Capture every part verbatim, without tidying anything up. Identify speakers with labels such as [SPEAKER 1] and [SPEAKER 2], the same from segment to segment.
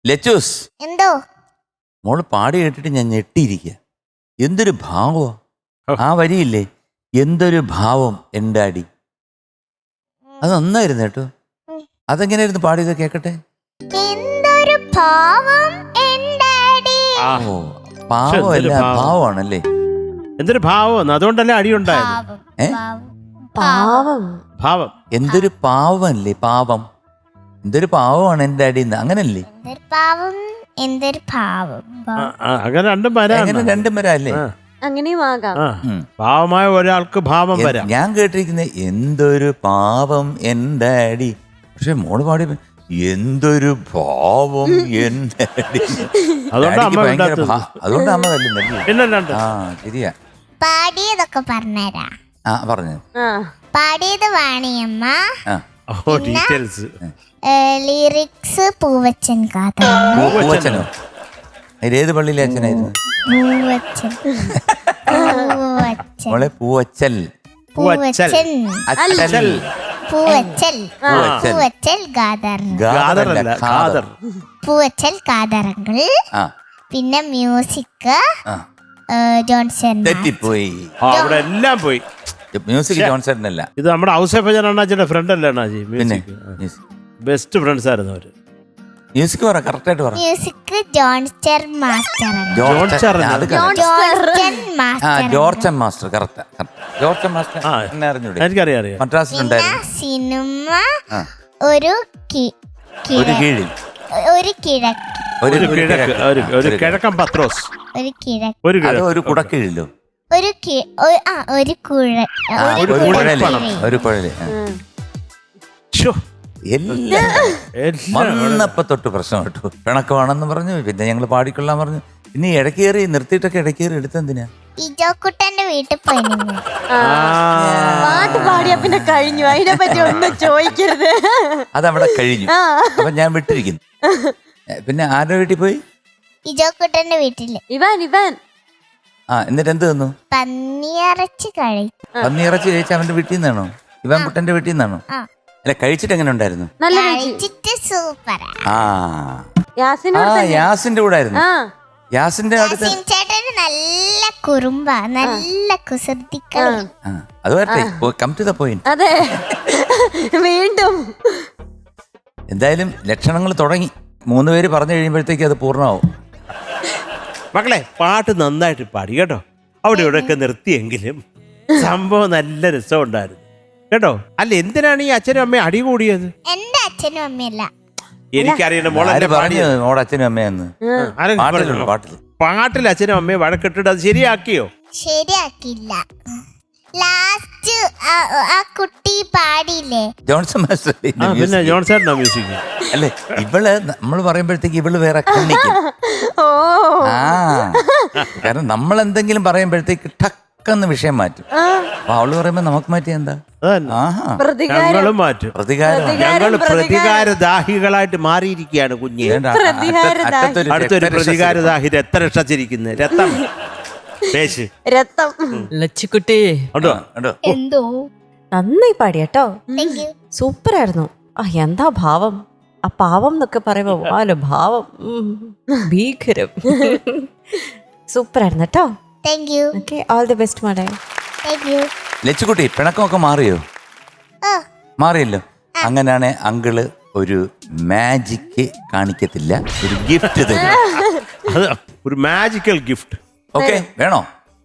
[SPEAKER 1] ലച്ചൂസ്
[SPEAKER 2] എന്തോ
[SPEAKER 1] മോള് പാടി കേട്ടിട്ട് ഞാൻ ഞെട്ടിയിരിക്കുക. എന്തൊരു ഭാവോ ആ വരിയില്ലേ, എന്തൊരു ഭാവം എൻ്റെ അടി. അത് നന്നായിരുന്നു കേട്ടോ. അതെങ്ങനെയായിരുന്നു പാടിയത് കേക്കട്ടെ.
[SPEAKER 2] എന്തൊരു ഭാവം എൻ്റെ അടി.
[SPEAKER 1] ഓ പാവമല്ല ഭാവമാണല്ലേ.
[SPEAKER 3] എന്തൊരു ഭാവം, അതുകൊണ്ടല്ലേ അടി ഉണ്ടായത്.
[SPEAKER 2] ഭാവം,
[SPEAKER 1] ഏ?
[SPEAKER 2] ഭാവം,
[SPEAKER 4] പാവം
[SPEAKER 3] ഭാവം
[SPEAKER 1] എന്തൊരു പാവമല്ലേ, പാവം. എന്തൊരു പാവമാണ് എൻ്റെ അടി, അങ്ങനല്ലേ.
[SPEAKER 2] എന്തൊരു പാവം, എന്തൊരു ഭാവം.
[SPEAKER 3] ആ, ആ, അങ്ങനെ രണ്ടും വരാം.
[SPEAKER 1] അങ്ങനെ രണ്ടും വരാല്ലേ.
[SPEAKER 4] അങ്ങനെയും ആകാം.
[SPEAKER 3] പാവമായ ഒരാൾക്ക് ഭാവം വരാം.
[SPEAKER 1] ഞാൻ കേട്ടിരിക്കുന്നത് എന്തൊരു പാവം എൻ്റെ അടി. പക്ഷെ മോള് പാടി എന്തൊരു ഭാവം എൻ്റെ അടി.
[SPEAKER 3] അതുകൊണ്ട് അമ്മ
[SPEAKER 1] ഭയങ്കര ഭാ- അതുകൊണ്ട് അമ്മ തല്ലുന്നല്ലേ.
[SPEAKER 3] പിന്നല്ലാണ്ട്.
[SPEAKER 1] ആ ശരിയാ.
[SPEAKER 2] പാടിയതൊക്കെ പറഞ്ഞുതരാ.
[SPEAKER 1] ആ പറഞ്ഞു.
[SPEAKER 4] ആ
[SPEAKER 2] പാടിയത് വാണിയമ്മ,
[SPEAKER 1] ആ
[SPEAKER 3] ഓ ഡീറ്റെയിൽസ്.
[SPEAKER 2] ലിറിക്സ് പൂവച്ചൻ കാത.
[SPEAKER 1] പൂ- പൂവച്ചനോ? അതിലേത് പള്ളിയിലെ അച്ഛനായിരുന്നു?
[SPEAKER 2] പൂവച്ചൻ, പൂവച്ചൻ,
[SPEAKER 1] മോളെ പൂവച്ചൽ.
[SPEAKER 2] പൂവച്ചൻ,
[SPEAKER 1] അച്ചൽ.
[SPEAKER 2] പൂവച്ചൽ,
[SPEAKER 1] പൂവച്ചൽ.
[SPEAKER 2] പൂവച്ചൽ ഗാദർ,
[SPEAKER 3] ഖാദറല്ല, ഖാദർ.
[SPEAKER 2] പൂവച്ചൽ കാതറങ്ങൾ.
[SPEAKER 1] ആ
[SPEAKER 2] പിന്നെ മ്യൂസിക്
[SPEAKER 1] ആ
[SPEAKER 2] ജോൺസൺ.
[SPEAKER 1] തെറ്റിപ്പോയി.
[SPEAKER 3] ആ, അവിടെ എല്ലാം പോയി.
[SPEAKER 1] മ്യൂസിക് ജോൺസൺ അല്ല.
[SPEAKER 3] ഇത് നമ്മുടെ ഔസേഫജൻ അണ്ണാച്ചിയുടെ ഫ്രണ്ട് അല്ലേ അണ്ണാജി?
[SPEAKER 1] പിന്നെ
[SPEAKER 3] ബെസ്റ്റ് ഫ്രണ്ട്സ് ആയിരുന്നു അവര്.
[SPEAKER 1] മ്യൂസിക് പറ, കറക്റ്റ് ആയിട്ട് പറ.
[SPEAKER 2] Music Johnster master.
[SPEAKER 3] ജോൺസ്റ്റർ.
[SPEAKER 1] അത് correct.
[SPEAKER 2] ജോൺസ്റ്റൺ
[SPEAKER 1] ആ
[SPEAKER 2] മാസ്റ്റർ.
[SPEAKER 1] ജോർജൻ മാസ്റ്റർ കറക്റ്റ്. ജോർജൻ മാസ്റ്റർ
[SPEAKER 3] ആ.
[SPEAKER 1] എന്നെ അറിഞ്ഞൂടെ?
[SPEAKER 3] എനിക്കറിയാം അറിയാം.
[SPEAKER 2] പിന്നെ
[SPEAKER 1] മദ്രാസിലുണ്ടായിരുന്നു.
[SPEAKER 2] സിനിമ
[SPEAKER 1] ആ.
[SPEAKER 2] ഒരു കി-
[SPEAKER 1] ഒരു
[SPEAKER 2] കിഴ-
[SPEAKER 1] കീഴിൽ
[SPEAKER 2] ഒരു കിഴക്ക്,
[SPEAKER 1] ഒരു
[SPEAKER 3] ഒരു
[SPEAKER 1] ഒരു
[SPEAKER 3] കിഴക്ക്,
[SPEAKER 1] കിഴക്ക്.
[SPEAKER 3] ഒരു ഒരു
[SPEAKER 1] ഒരു
[SPEAKER 3] കിഴക്കൻ പത്രോസ്.
[SPEAKER 2] ഒരു കിഴക്ക്,
[SPEAKER 3] ഒരു
[SPEAKER 1] അത്
[SPEAKER 3] കിഴക്ക്.
[SPEAKER 1] ഒരു കുടക്കീഴിലോ?
[SPEAKER 2] ഒരു കി- ഒ- ആ ഒരു കുഴ
[SPEAKER 1] ആ,
[SPEAKER 2] ഒരു
[SPEAKER 1] ഒരു കുഴല്.
[SPEAKER 3] കുഴൽപ്പണം.
[SPEAKER 1] ഒരു കുഴല്. ആ.
[SPEAKER 3] ശ്ശോ,
[SPEAKER 1] എല്ലാം
[SPEAKER 3] എല്ലാം
[SPEAKER 1] വന്നപ്പോ തൊട്ട് പ്രശ്നം കേട്ടു. പിണക്കമാണെന്ന് പറഞ്ഞു. പിന്നെ ഞങ്ങൾ പാടിക്കൊള്ളാൻ പറഞ്ഞു. പിന്നെ ഇടയ്ക്ക് കയറി നിർത്തിയിട്ടൊക്കെ ഇടയ്ക്ക് കയറി എടുത്തെന്തിനാ?
[SPEAKER 2] ഇജോക്കുട്ടന്റെ വീട്ടിൽ പോയി നിന്ന്.
[SPEAKER 4] ആ. പാട്ട് പാടിയാ പിന്നെ കഴിഞ്ഞു, അതിനെ പറ്റി ഒന്നും ചോദിക്കരുത്.
[SPEAKER 1] അതവിടെ കഴിഞ്ഞു.
[SPEAKER 4] ആ.
[SPEAKER 1] അപ്പൊ ഞാൻ വിട്ടിരിക്കുന്നു. ഏ, പിന്നെ ആരുടെ വീട്ടിൽ പോയി?
[SPEAKER 2] ഇജോക്കുട്ടന്റെ വീട്ടില്
[SPEAKER 4] ഇവാൻ ഇവാൻ
[SPEAKER 1] ആ എന്നിട്ട് എന്ത് തന്നു?
[SPEAKER 2] പന്നിയിറച്ചി കഴി.
[SPEAKER 1] പന്നിയിറച്ചി കഴിച്ച അവന്റെ വീട്ടിൽ നിന്നാണോ? ഇവൻ കുട്ടന്റെ വീട്ടിൽ നിന്നാണോ?
[SPEAKER 2] ആ.
[SPEAKER 1] അല്ല കഴിച്ചിട്ട് എങ്ങനെ ഉണ്ടായിരുന്നു?
[SPEAKER 4] നല്ല കഴിച്ചു.
[SPEAKER 2] കഴിച്ചിട്ട് സൂപ്പറാ.
[SPEAKER 1] ആ
[SPEAKER 4] യാസിനോട്
[SPEAKER 1] ആ
[SPEAKER 4] തന്നെ.
[SPEAKER 1] യാസിന്റെ കൂടെ ആയിരുന്നു.
[SPEAKER 4] ആ
[SPEAKER 1] യാസിന്റെ അടുത്ത്.
[SPEAKER 2] യാസിൻ ചേട്ടന് നല്ല കുറുമ്പ, നല്ല കുസൃതിക്കളി.
[SPEAKER 1] ആ അത് വരട്ടെ, കം ടു ദ പോയിന്റ്.
[SPEAKER 4] അതെ വീണ്ടും
[SPEAKER 1] എന്തായാലും ലക്ഷണങ്ങൾ തുടങ്ങി. മൂന്ന് പേര് പറഞ്ഞു കഴിയുമ്പോഴത്തേക്ക് അത് പൂർണ്ണമാവും.
[SPEAKER 3] മക്കളെ പാട്ട് നന്നായിട്ട് പാടി കേട്ടോ. അവിടെ ഇവിടെയൊക്കെ നിർത്തിയെങ്കിലും സംഭവം നല്ല രസമുണ്ടായിരുന്നു കേട്ടോ. അല്ല എന്തിനാണ് ഈ അച്ഛനും അമ്മയും അടി കൂടിയത്?
[SPEAKER 2] എന്റെ അച്ഛനും അമ്മയല്ല,
[SPEAKER 3] എനിക്കറിയണ്ട മോളെ
[SPEAKER 1] ആര് പറഞ്ഞു മോടെ അച്ഛനും അമ്മയെന്ന്? പാട്ടിലുണ്ട്, പാട്ടിൽ.
[SPEAKER 3] പാട്ടിൽ അച്ഛനും അമ്മയും വഴക്കിട്ടിട്ട് അത് ശരിയാക്കിയോ?
[SPEAKER 2] ശരിയാക്കില്ല. ലാസ്റ്റ് ആ കുട്ടി പാടിയില്ലേ,
[SPEAKER 1] ജോൺസൺ മാസ്റ്റർ
[SPEAKER 3] ആ, പിന്നെ ജോൺസേട്ടനാ മ്യൂസിക്.
[SPEAKER 1] അല്ലേ? ഇവള് നമ്മൾ പറയുമ്പോഴത്തേക്ക് ഇവള് വേറെ കണ്ണിക്കും.
[SPEAKER 4] ഓ
[SPEAKER 1] ആ കാരണം നമ്മൾ എന്തെങ്കിലും പറയുമ്പോഴത്തേക്ക് ടക്കെന്ന് വിഷയം മാറ്റും. അപ്പൊ അവള് പറയുമ്പോ നമുക്ക് മാറ്റിയ എന്താ?
[SPEAKER 3] അതന്നെ.
[SPEAKER 1] ആഹാ
[SPEAKER 4] പ്രതികാരം
[SPEAKER 3] ഞങ്ങളും മാറ്റും.
[SPEAKER 1] പ്രതികാരം.
[SPEAKER 3] ഞങ്ങൾ പ്രതികാരദാഹികളായിട്ട് മാറിയിരിക്കുകയാണ് കുഞ്ഞെ.
[SPEAKER 1] വേണ്ട, അറ്റ- അറ്റത്തൊരു
[SPEAKER 3] അടുത്തൊരു
[SPEAKER 1] രക്തരക്ഷ-
[SPEAKER 3] പ്രതികാരദാഹി രക്തരക്ഷച്ചിരിക്കുന്നത് രക്തം പേശ്
[SPEAKER 4] രത്തം.
[SPEAKER 5] ലച്ചിക്കുട്ടി
[SPEAKER 3] ഉണ്ടോ?
[SPEAKER 1] ഉണ്ടോ?
[SPEAKER 2] എന്തോ
[SPEAKER 4] നന്നായി പാടി കേട്ടോ.
[SPEAKER 2] Thank U.
[SPEAKER 4] സൂപ്പർ ആയിരുന്നു. ആ എന്താ ഭാവം, ആ പാവം എന്നൊക്കെ പറയുമ്പോ വാല് ഭാവം ഉം, ഭീകരം. സൂപ്പർ ആയിരുന്നു കേട്ടോ.
[SPEAKER 2] Thank you.
[SPEAKER 4] Okay, all the best മോളെ.
[SPEAKER 2] Thank you.
[SPEAKER 1] ലച്ചുകുട്ടി പിണക്കമൊക്കെ മാറിയോ?
[SPEAKER 2] ഓ
[SPEAKER 1] മാറിയല്ലോ. അങ്ങനെയാണ് അങ്കിള് ഒരു മാജിക്ക് കാണിക്കത്തില്ല, ഒരു ഗിഫ്റ്റ് തരും.
[SPEAKER 3] അത് ഒരു മാജിക്കൽ ഗിഫ്റ്റ്.
[SPEAKER 1] ഓക്കെ വേണോ?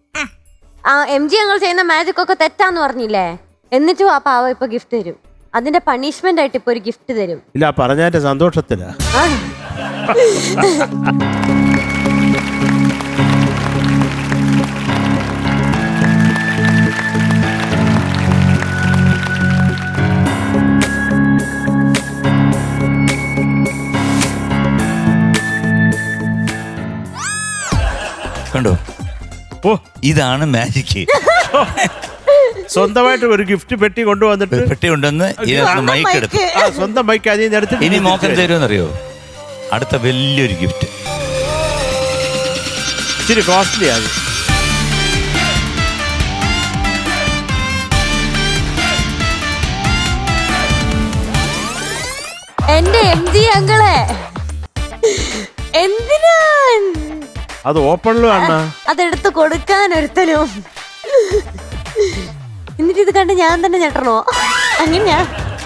[SPEAKER 4] ആ എം ജി ഞങ്ങൾ ചെയ്യുന്ന മാജിക് ഒക്കെ തെറ്റാന്ന് പറഞ്ഞില്ലേ, എന്നിട്ടും ആ പാവം ഇപ്പൊ ഗിഫ്റ്റ് തരും. അതിന്റെ പണിഷ്മെന്റ് ആയിട്ട് ഇപ്പൊ ഒരു ഗിഫ്റ്റ് തരും.
[SPEAKER 3] ഇല്ല പറഞ്ഞതിന്റെ സന്തോഷത്തിലാ.
[SPEAKER 4] ആ.
[SPEAKER 1] കണ്ടോ?
[SPEAKER 3] ഓ
[SPEAKER 1] ഇതാണ് മാജിക്ക്.
[SPEAKER 3] സ്വന്തമായിട്ട് ഒരു ഗിഫ്റ്റ് പെട്ടി കൊണ്ടുവന്നിട്ട്
[SPEAKER 1] പെട്ടി ഉണ്ടെന്ന് ഇതിനകത്ത് മൈക്ക് എടുത്തു.
[SPEAKER 3] ആ സ്വന്തം മൈക്ക് അതിൽ നിന്ന് എടുത്തിട്ട്
[SPEAKER 1] ഇനി മോക്കം തരുമെന്നറിയോ? അടുത്ത വലിയൊരു ഗിഫ്റ്റ്.
[SPEAKER 3] ഇച്ചിരി കോസ്റ്റ്ലി ആണ്.
[SPEAKER 4] എന്റെ എം ജി അങ്കിളെ
[SPEAKER 3] അത് ഓപ്പണിലും അണ്ണ.
[SPEAKER 5] അതെടുത്ത് കൊടുക്കാൻ ഒരുത്തനും. എന്നിട്ട് ഇത് കണ്ട് ഞാൻ തന്നെ ഞെട്ടണോ? അങ്ങനെയാ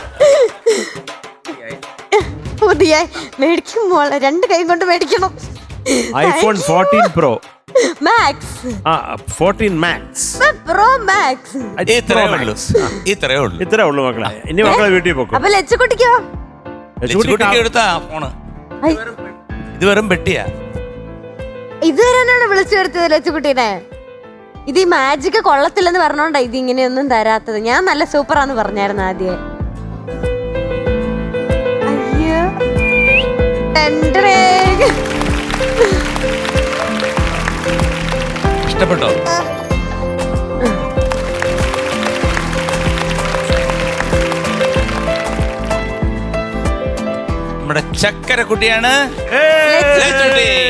[SPEAKER 5] പുതിയ മേടിക്കും മോളെ, രണ്ട് കൈ കൊണ്ട് മേടിക്കണം.
[SPEAKER 3] ഐഫോൺ ഫോർട്ടീൻ പ്രോ
[SPEAKER 5] മാക്സ്,
[SPEAKER 3] ആ ഫോർട്ടീൻ മാക്സ്,
[SPEAKER 5] പ്രോ മാക്സ്.
[SPEAKER 1] ഇത്രേ ഉള്ളൂ ഇത്രേ ഉള്ളൂ
[SPEAKER 3] ഇത്രേ ഉള്ളൂ മക്കളെ. ഇനി മക്കളെ വീട്ടിൽ പോക്കോ.
[SPEAKER 5] അപ്പൊ ലച്ചുകുട്ടിക്കോ?
[SPEAKER 1] ലച്ചുകുട്ടിക്ക് എടുത്താ ഫോണ്. ഇത് വെറും പെട്ടിയാ.
[SPEAKER 5] ഇതുവരെയാണ് വിളിച്ചു വരുത്തിയത് ലച്ചുകുട്ടീനെ. ഇത് ഈ മാജിക് കൊള്ളത്തില്ലെന്ന് പറഞ്ഞോണ്ടാ ഇത് ഇങ്ങനെയൊന്നും തരാത്തത്. ഞാൻ നല്ല സൂപ്പറാന്ന് പറഞ്ഞായിരുന്നു ആദ്യം. അയ്യോ
[SPEAKER 1] ഇഷ്ടപ്പെട്ടോ? നമ്മുടെ ചക്കര കുട്ടിയാണ് ലച്ചുകുട്ടി.